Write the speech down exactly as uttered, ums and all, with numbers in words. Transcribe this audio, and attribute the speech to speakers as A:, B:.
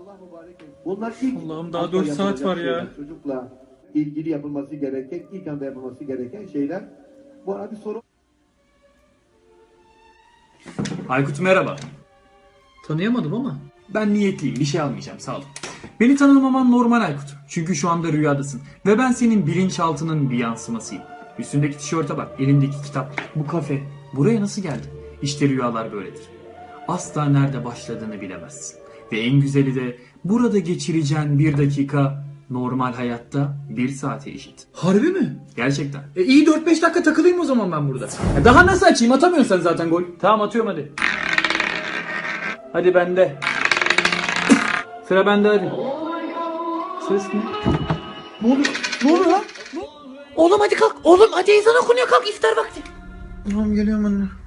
A: Bunlar ilk
B: Allah'ım daha dört saat var ya.
A: şeyler. Çocukla ilgili yapılması gereken, ilk anda yapılması gereken şeyler. Bu arada bir soru.
B: Aykut merhaba.
C: Tanıyamadım ama.
B: Ben niyetliyim, bir şey almayacağım, sağ ol. Beni tanımaman normal Aykut. Çünkü şu anda rüyadasın. Ve ben senin bilinçaltının bir yansımasıyım. Üstündeki tişörte bak, elindeki kitap, bu kafe. Buraya nasıl geldin? İşte rüyalar böyledir. Asla nerede başladığını bilemezsin. Ve en güzeli de burada geçireceğin bir dakika normal hayatta bir saate eşit.
C: Harbi mi?
B: Gerçekten.
C: E iyi dört beş dakika takılayım o zaman ben burada.
B: Ya daha nasıl açayım? Atamıyorsun sen zaten gol. Tamam atıyorum hadi. Hadi bende. Sıra bende hadi. Ses ne?
C: Ne oluyor? Ne oluyor lan? Oğlum hadi kalk. Oğlum hadi ezan okunuyor, kalk, iftar vakti.
B: Tamam geliyorum anne.